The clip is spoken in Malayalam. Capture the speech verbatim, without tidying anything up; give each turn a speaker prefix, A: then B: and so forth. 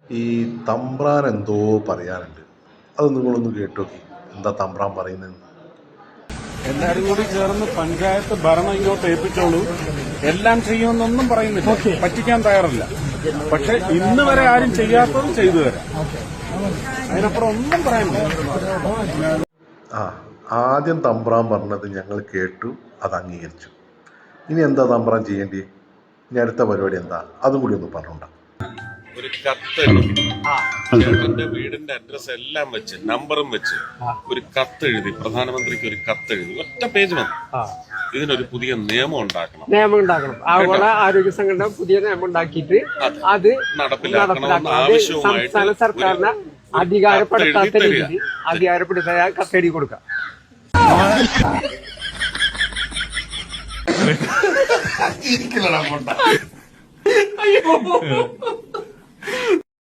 A: ഈ തമ്പ്രാൻ എന്തോ പറയാനുണ്ട്. അത് നിങ്ങളൊന്ന് കേട്ടോക്കി. എന്താ തമ്പ്രാൻ പറയുന്നത്?
B: എല്ലാരും കൂടി ചേർന്ന് പഞ്ചായത്ത് ഭരണം ഇങ്ങോട്ട് ഏൽപ്പിച്ചോളൂ, എല്ലാം ചെയ്യുമെന്നൊന്നും പറയുന്നില്ല, പറ്റിക്കാൻ തയ്യാറല്ല. പക്ഷെ ഇന്ന് വരെ ആരും ചെയ്യാത്തത് ചെയ്തു തരാം. അതിനപ്പുറം ഒന്നും പറയാനില്ല.
A: ആ ആദ്യം തമ്പ്രാൻ പറഞ്ഞത് ഞങ്ങൾ കേട്ടു, അത് അംഗീകരിച്ചു. ഇനി എന്താ തമ്പ്രാൻ ചെയ്യേണ്ടി? ഇനി അടുത്ത പരിപാടി എന്താ? അതും കൂടി ഒന്ന് പറഞ്ഞോണ്ട.
C: ഒരു കത്തെഴുതി ചേട്ടന്റെ വീടിന്റെ അഡ്രസ് എല്ലാം വെച്ച് നമ്പറും വെച്ച് ഒരു കത്തെഴുതി പ്രധാനമന്ത്രിക്ക് ഒരു കത്തെഴുതി ഒറ്റ പേജ് മതി. ഇതിനൊരു പുതിയ നിയമം ഉണ്ടാക്കണം
D: നിയമം ഉണ്ടാക്കണം ആഗോള ആരോഗ്യ സംഘടന പുതിയ നിയമം ഉണ്ടാക്കിയിട്ട് അത്
C: നടപ്പിലാക്കണമെന്ന് ആവശ്യവുമായിട്ട്
D: സംസ്ഥാന സർക്കാരിനെ അധികാരപ്പെടുത്താത്ത രീതിയിൽ അധികാരപ്പെടുത്താൻ കത്തെഴുതി കൊടുക്കാം.
E: അയ്യോ